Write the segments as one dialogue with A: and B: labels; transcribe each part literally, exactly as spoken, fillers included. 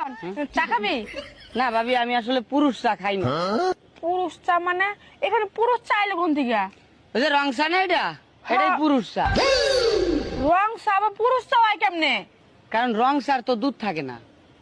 A: শোন, চা খাবি?
B: না ভাবি, আমি আসলে পুরুষ চা খাই না।
A: পুরুষ চা মানে? এখানে পুরুষ চা এলো কোন থেকে?
B: ওই যে রং চা না, এটা এটাই পুরুষ চা।
A: রং চা বা পুরুষ চা হয় কেমনে?
B: কারণ রং চার তো দুধ থাকে না।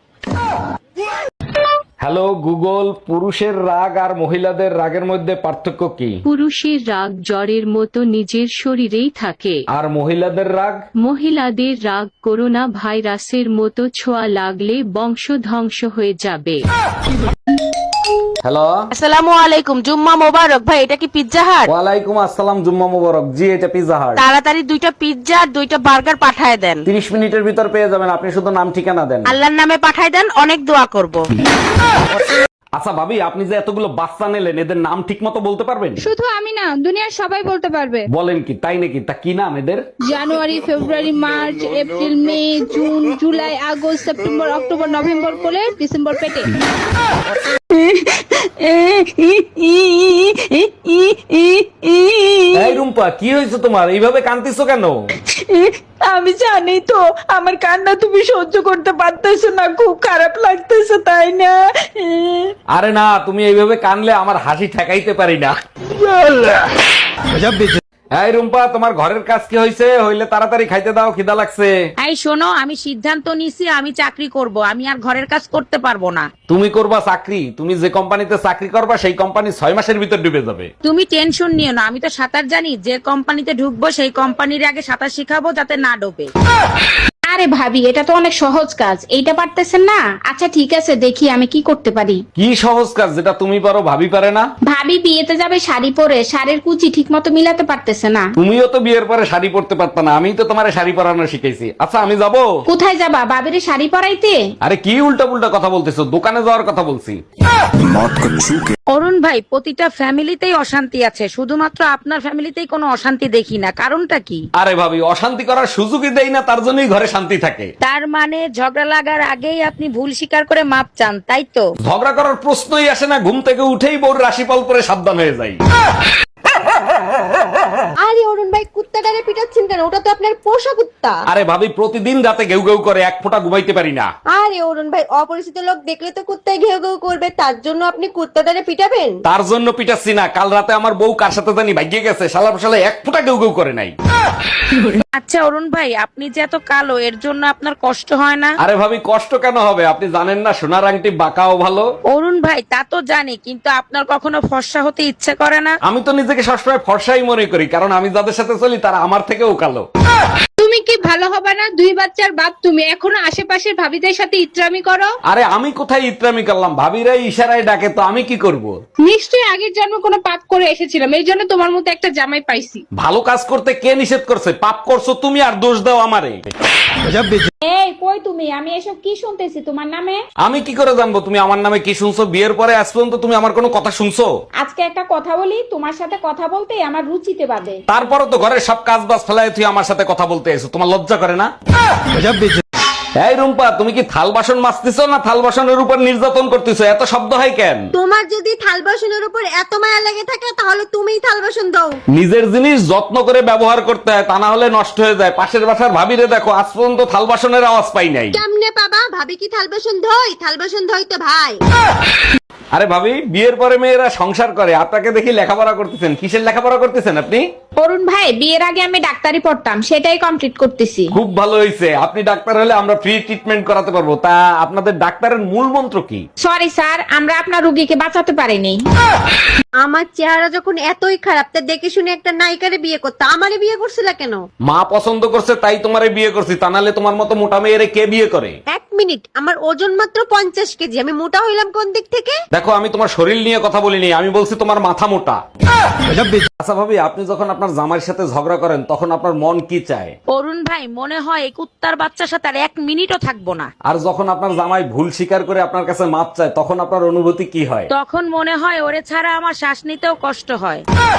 C: হ্যালো গুগল, পুরুষের রাগ আর মহিলাদের রাগের মধ্যে পার্থক্য কি?
D: পুরুষের রাগ জ্বরের মতো নিজের শরীরেই থাকে,
C: আর মহিলাদের রাগ?
D: মহিলাদের রাগ করোনা ভাইরাসের মতো ছোঁয়া লাগলে বংশ ধ্বংস হয়ে যাবে।
C: হ্যালো,
E: আসসালামু আলাইকুম, জুম্মা মোবারক। ভাই এটা কি পিৎজা হাট?
C: ওয়ালাইকুম আসসালাম, জুম্মা মুবারক। জি, এটা পিৎজা হাট।
E: তাড়াতাড়ি দুইটা পিৎজা আর দুইটা বার্গার পাঠায় দেন।
C: তিরিশ মিনিটের ভিতর পেয়ে যাবেন, আপনি শুধু নাম ঠিকানা দেন।
E: আল্লাহর নামে পাঠায় দেন, অনেক দোয়া করব।
C: আচ্ছা ভাবি, আপনি যে এতগুলো বাচ্চা নিলেন, এদের নাম ঠিক মতো বলতে পারবেন?
F: শুধু আমি না, দুনিয়ার সবাই বলতে পারবে।
C: বলেন কি, তাই নাকি? তা কি নাম এদের?
F: January, February, March, April, May, June, July, August, September, October, November করে ডিসেম্বর পেটে।
C: এই রুম্পা, কি হয়েছে তোমার? এইভাবে কাঁদতেছো কেন?
A: আমি জানি তো আমার কান্না তুমি সহ্য করতে পারতেছো না, খুব খারাপ লাগতেছে, তাই না?
C: আরে না, তুমি এইভাবে কানলে আমার হাসি ঠেকাইতে পারি না। এই রুম্পা, তোমার ঘরের কাজ কি হয়েছে? হইলে তাড়াতাড়ি খাইতে দাও, খিদা লাগছে।
E: এই শোনো, আমি সিদ্ধান্ত নিছি আমি চাকরি করব, আমি আর ঘরের কাজ করতে পারবো না।
C: তুমি করবা চাকরি? তুমি যে কোম্পানিতে চাকরি করবা সেই কোম্পানি ছয় মাসের ভিতর ডুবে যাবে।
E: তুমি টেনশন নিও না, আমি তো সাঁতার জানি। যে কোম্পানিতে ঢুকবো সেই কোম্পানির আগে সাঁতার শিখাবো যাতে না ডোবে।
F: আরে ভাবি, এটা তো অনেক সহজ কাজ, এইটা পারতেছেন না? আচ্ছা ঠিক আছে, দেখি আমি কি করতে পারি।
C: কি সহজ কাজ যেটা তুমি পারো ভাবি পারে না?
F: ভাবি বিয়েতে যাবে শাড়ি পরে, শাড়ির কুচি ঠিক মতো মিলাতে পারতেছে না।
C: তুমিও তো বিয়ের পরে শাড়ি পরতে পারত না, আমি তো তোমার শাড়ি পরানো শিখাইছি। আচ্ছা আমি যাব।
F: কোথায় যাবা? বাবিরে শাড়ি পরাইতে?
C: আরে কি উল্টা পুল্টা কথা বলতেছো, দোকানে যাওয়ার কথা বলছি।
E: অরুণ ভাই, প্রতিটা ফ্যামিলিতেই অশান্তি আছে, শুধুমাত্র আপনার ফ্যামিলিতেই কোনো অশান্তি দেখি না, কারণটা কি?
C: আরে ভাবি, অশান্তি করার সুযোগই দেই না, তার জন্যই ঘরে শান্তি থাকে।
E: তার মানে ঝগড়া লাগার আগেই আপনি ভুল স্বীকার করে মাপ চান, তাই তো?
C: ঝগড়া করার প্রশ্নই আসে না, ঘুম থেকে উঠেই বউর রাশিফল পরে সাবধান হয়ে যাই।
G: আরে অরুণ ভাই, কুত্তাটারে পিটাচ্ছেন কেন? ওটা তো আপনার পোষা কুত্তা।
C: আরে ভাবি, প্রতিদিন রাতে ঘেউ ঘেউ করে, এক ফোঁটা ঘুমাইতে পারি না।
G: আরে অরুণ ভাই, অপরিচিত লোক দেখলে তো কুত্তায় ঘেউ ঘেউ করবে, তার জন্য আপনি কুত্তাটারে পিটাবেন?
C: তার জন্য পিটাচ্ছি না, কাল রাতে আমার বউ কার সাথে জানি ভাগিয়ে গেছে, শালা শালা এক ফোঁটা ঘেউ ঘেউ করে নাই।
E: আচ্ছা অরুণ ভাই, আপনি যে এত কালো, এর জন্য আপনার কষ্ট হয় না?
C: আরে ভাবি, কষ্ট কেন হবে? আপনি জানেন না সোনার আংটি বাঁকাও ভালো?
E: অরুণ ভাই, তা তো জানি, কিন্তু আপনার কখনো ফর্সা হতে ইচ্ছে করে না?
C: আমি তো নিজেকে সবসময় ফর্সাই মনে করি, কারণ আমি যাদের সাথে চলি তারা আমার থেকেও কালো।
F: তুমি কি ভালো হবে না? দুই বাচ্চার বাপ তুমি, এখনো আশেপাশের ভাবিদের সাথে ইত্রামি করো।
C: আরে আমি কোথায় ইত্রামি করলাম? ভাবিরাই ইশারায় ডাকে, তো আমি কি করব?
F: নিশ্চয়ই আগের জন্ম কোনো পাপ করে এসেছিলাম, এই জন্য তোমার মতো একটা জামাই পাইছি।
C: ভালো কাজ করতে কে নিষেধ করছে? পাপ করছো তুমি আর দোষ দাও আমারে।
F: এই কই তুমি? আমি এসব কি শুনতেছি তোমার নামে?
C: আমি কি করে জানবো তুমি আমার নামে কি শুনছো? বিয়ের পরে আজ পর্যন্ত তুমি আমার কোনো কথা শুনছো?
F: আজকে একটা কথা বলি, তোমার সাথে কথা বলতে আমার রুচিতে বাদে।
C: তারপরও তো ঘরের সব কাজ বাজ ফেলায় তুই আমার সাথে কথা বলতে এসো, তোমার লজ্জা করে না? এই রুম্পা, তুমি কি থাল বাসন মাজতেছো না থাল বাসনের উপর নির্যাতন করতেছো? এত শব্দ হয় কেন?
G: তোমার যদি থাল বাসনের উপর এত মায়া লেগে থাকে তাহলে তুমিই থাল বাসন দাও।
C: নিজের জিনিস যত্ন করে ব্যবহার করতে হয়, তা না হলে নষ্ট হয়ে যায়। পাশের বাসার ভাবিরে দেখো, আজ পর্যন্ত থাল বাসনের আওয়াজ পাই নাই।
G: কেমনে পাবা? ভাবি কি থাল বাসন ধোয়? থাল বাসন ধোয় তো ভাই।
C: আরে ভাবি, বিয়ের পরে মেয়েরা সংসার করে, আপনাকে দেখি লেখাপড়া করতেছেন। কিসের লেখাপড়া করতেছেন আপনি?
F: অরুণ ভাই, বিয়ের আগে আমি ডাক্তারি পড়তাম, সেটাই কমপ্লিট করতেছি।
C: খুব ভালো হয়েছে, আপনি ডাক্তার হলে আমরা ফ্রি ট্রিটমেন্ট করাতে পারবো। তা আপনাদের ডাক্তারের মূল মন্ত্র কি?
F: সরি স্যার, আমরা আপনার রোগীকে বাঁচাতে পারিনি।
G: আমার চেহারা যখন এতই খারাপ, তা দেখে শুনে একটা নায়িকারে বিয়ে করতে আমারে বিয়ে করছিল কেন?
C: মা পছন্দ করছে তাই তোমারে বিয়ে করছি, তা নাহলে তোমার মতো মোটা মেয়েরে কে বিয়ে করে?
G: এক মিনিট, আমার ওজন মাত্র পঞ্চাশ কেজি, আমি মোটা হইলাম কোন দিক থেকে?
C: দেখো, আমি তোমার শরীর নিয়ে কথা বলিনি, আমি বলছি তোমার মাথা মোটা। আচ্ছা ভাবি, আপনি যখন আপনার জামাইয়ের সাথে ঝগড়া করেন তখন আপনার মন কি চায়?
E: অরুণ ভাই, মনে হয় এই কুত্তার বাচ্চার সাথে আর এক মিনিটও থাকবো না।
C: আর যখন আপনার জামাই ভুল স্বীকার করে আপনার কাছে মাপ চায় তখন আপনার অনুভূতি কি হয়?
E: তখন মনে হয় ওরে ছাড়া আমার শ্বাস নিতেও কষ্ট হয়।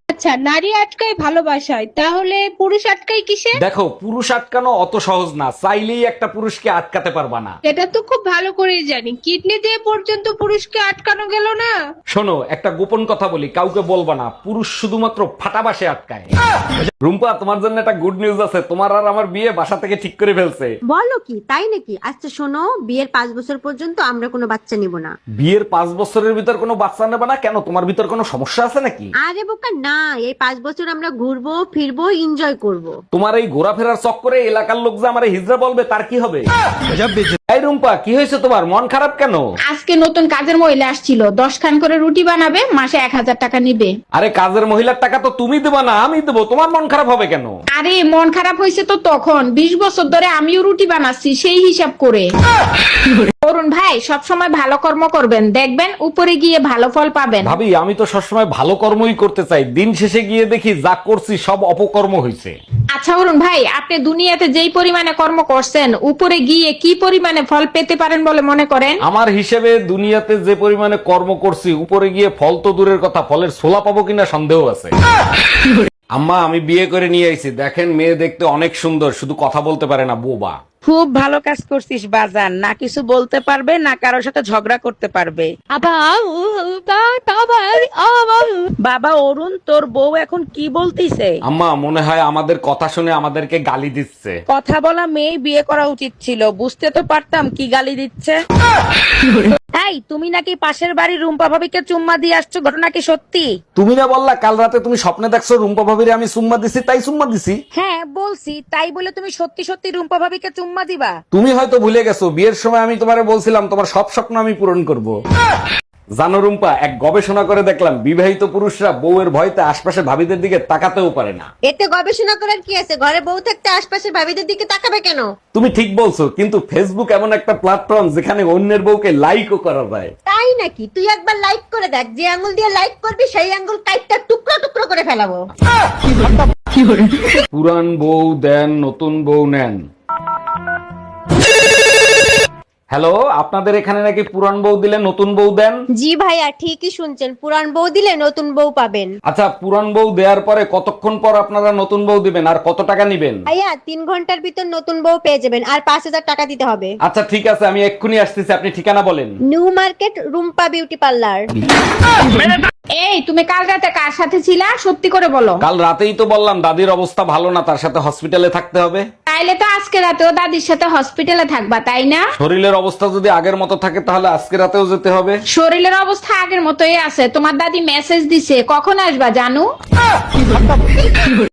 F: আচ্ছা, নারী আটকায় ভালোবাসায়, তাহলে পুরুষ আটকায় কিসে?
C: দেখো, পুরুষ আটকানো অত সহজ না, চাইলেই একটা পুরুষকে আটকাতে পারবা না।
F: এটা তো খুব ভালো করেই জানি, কিডনি দিয়ে পর্যন্ত পুরুষকে আটকানো গেল না।
C: শোনো, একটা গোপন কথা বলি, কাউকে বলবা না, পুরুষ শুধুমাত্র ফাটাবাসে আটকায়। রুম্পা, তোমার জন্য একটা গুড নিউজ আছে, তোমার আর আমার বিয়ে বাসা থেকে ঠিক করে ফেলছে।
G: বলো কি, তাই নাকি? আচ্ছা শোনো, বিয়ের পাঁচ বছর পর্যন্ত আমরা কোনো বাচ্চা নিব না।
C: বিয়ের পাঁচ বছরের ভিতর কোনো বাচ্চা নেবে না কেন? তোমার ভিতর কোনো সমস্যা আছে নাকি?
G: আরে বোকা না, এই পাঁচ বছর আমরা ঘুরবো ফিরবো এনজয় করব।
C: তোমার এই ঘোরাফেরার চক্করে এলাকার লোক যে আমার হিজড়া বলবে, তার কি হবে? এই রুম্পা, কি হয়েছে তোমার? মন খারাপ কেন?
F: আজকে নতুন কাজের মহিলা আসছিল, দশ খান করে রুটি বানাবে, মাসে এক হাজার টাকা নিবে।
C: আরে কাজের মহিলার টাকা তো তুমি দেবা না, আমি দেবো, তোমার মন খারাপ হবে কেন?
F: আরে মন খারাপ হয়েছে তো তখন, বিশ বছর ধরে আমিও রুটি বানাচ্ছি সেই হিসাব করে। অরুণ ভাই, সব সময় ভালো কর্ম করবেন, দেখবেন উপরে গিয়ে ভালো ফল পাবেন।
C: ভাবি, আমি তো সবসময় ভালো কর্মই করতে চাই, দিন শেষে গিয়ে দেখি যা করছি সব অপকর্ম হয়েছে।
F: আচ্ছা অরুণ ভাই, আপনি দুনিয়াতে যেই পরিমাণে কর্ম করছেন, উপরে গিয়ে কি পরিমাণে ফল পেতে পারেন বলে মনে করেন?
C: আমার হিসেবে দুনিয়াতে যে পরিমাণে কর্ম করছি, উপরে গিয়ে ফল তো দূরের কথা, ফলের ছোলা পাবো কিনা সন্দেহ আছে। আম্মা, আমি বিয়ে করে নিয়ে আইছি, দেখেন মেয়ে দেখতে অনেক সুন্দর, শুধু কথা বলতে পারে না, বোবা।
E: খুব ভালো কাজ করছিস বাজার, না কিছু বলতে পারবে না কারোর সাথে ঝগড়া করতে পারবে। বাবা অরুণ, তোর বউ এখন কি বলতিছে?
C: আম্মা, মনে হয় আমাদের কথা শুনে আমাদেরকে গালি দিচ্ছে।
E: কথা বলা মেয়ে বিয়ে করা উচিত ছিল, বুঝতে তো পারতাম কি গালি দিচ্ছে। এই, তুমি নাকি পাশের বাড়ির রুম্পা ভাবিকে চুম্মা দিয়ে আসছো, ঘটনা কি সত্যি?
C: তুমি না বললা কাল রাতে তুমি স্বপ্নে দেখছো রুম্পা ভাবিরে আমি সুম্মা দিছি, তাই সুম্মা দিছি।
E: হ্যাঁ বলছি, তাই বলে তুমি সত্যি সত্যি রুম্পা ভাবিকে চুম্মা দিবা?
C: তুমি হয়তো ভুলে গেছো, বিয়ের সময় আমি তোমারে বলছিলাম তোমার সব স্বপ্ন আমি পূরণ করব। জানো রুম্পা, এক গবেষণা করে দেখলাম বিবাহিত পুরুষরা বউয়ের ভয়তে আশপাশে ভাবিদের দিকে তাকাতেও পারে না।
G: এতে গবেষণা করার কি আছে? ঘরে বউ থাকতে আশপাশে ভাবিদের দিকে তাকাবে কেন?
C: তুমি ঠিক বলছো, কিন্তু ফেসবুক এমন একটা প্ল্যাটফর্ম যেখানে অন্যের বউকে লাইকও করা যায়।
G: তাই নাকি? তুই একবার লাইক করে দেখ, যে আঙ্গুল দিয়ে লাইক করবি সেই আঙ্গুল কাইটটা টুকরো টুকরো করে ফেলাবো।
C: পুরান বউ দেন, নতুন বউ নেন। হ্যালো, আপনাদের এখানে নাকি পুরান বউ দিলে নতুন বউ দেন?
G: জি ভাইয়া, ঠিকই শুনছেন, পুরান বউ দিলে নতুন বউ পাবেন।
C: আচ্ছা, পুরান বউ দেওয়ার পরে কতক্ষণ পর আপনারা নতুন বউ দিবেন আর কত টাকা নিবেন?
G: ভাইয়া, তিন ঘন্টার ভিতর নতুন বউ পেয়ে যাবেন, আর পাঁচ হাজার টাকা দিতে হবে।
C: আচ্ছা ঠিক আছে, আমি এক্ষুনি আসতেছি, আপনি ঠিকানা বলেন।
G: New market, Rumpa beauty parlour.
F: এই, তুমি কাল রাতে কার সাথে ছিলা, সত্যি করে বলো।
C: কাল রাতেই তো বললাম দাদির অবস্থা ভালো না, তার সাথে হসপিটালে থাকতে হবে।
F: তাইলে তো আজকে রাতেও দাদির সাথে হসপিটালে থাকবা, তাই না?
C: শরীরের অবস্থা যদি আগের মতো থাকে তাহলে আজকে রাতেও যেতে হবে।
F: শরীরের অবস্থা আগের মতোই আছে, তোমার দাদি মেসেজ দিছে, কখন আসবা জানু?